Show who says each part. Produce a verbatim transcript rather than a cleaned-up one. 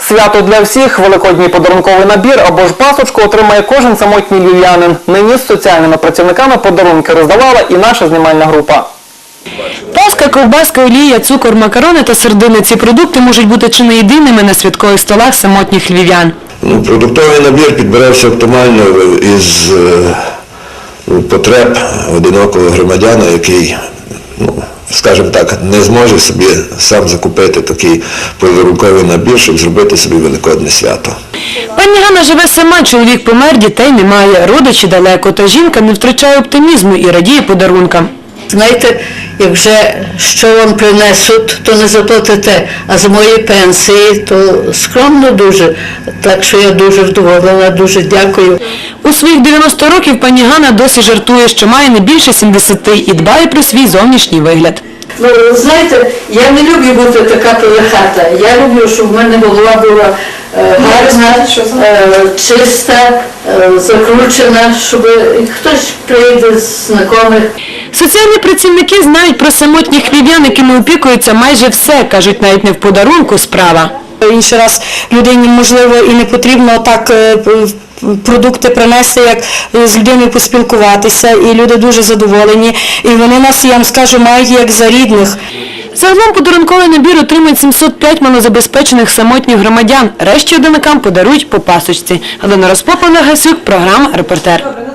Speaker 1: Свято для всіх, великодній подарунковий набір або ж пасочку отримає кожен самотній львів'янин. Нині з соціальними працівниками подарунки роздавала і наша знімальна група.
Speaker 2: Паска, ковбаска, олія, цукор, макарони та сердини – ці продукти можуть бути чи не єдиними на святкових столах самотніх львів'ян.
Speaker 3: Ну, продуктовий набір підбирався оптимально із е, потреб одинокого громадяна, який, ну, скажімо так, не зможе собі сам закупити такий подарунковий набір, щоб зробити собі великодне свято.
Speaker 2: Пані Ганна живе сама, чоловік помер, дітей немає, родичі далеко, та жінка не втрачає оптимізму і радіє подарункам.
Speaker 4: Знаєте, як вже що вам принесуть, то не заплатите, а з моєї пенсії, то скромно дуже. Так що я дуже вдоволена, дуже дякую.
Speaker 2: У своїх дев'яносто років пані Ганна досі жартує, що має не більше сімдесяти і дбає про свій зовнішній вигляд.
Speaker 4: Ну, знаєте, я не люблю бути така пилихата. Я люблю, щоб в мене голова була е, гарна, е, чиста, е, закручена, щоб хтось прийде з знайомих.
Speaker 2: Соціальні працівники знають про самотніх львів'ян, якими опікуються майже все, кажуть, навіть не в подарунку справа.
Speaker 5: Інший раз людині, можливо, і не потрібно так продукти принести, як з людиною поспілкуватися, і люди дуже задоволені, і вони нас, я вам скажу, мають як за рідних.
Speaker 2: Загалом подарунковий набір отримають сімсот п'ять малозабезпечених самотніх громадян. Решті одинакам подарують по пасочці. Галина Розпопова, Гасюк, програма «Репортер».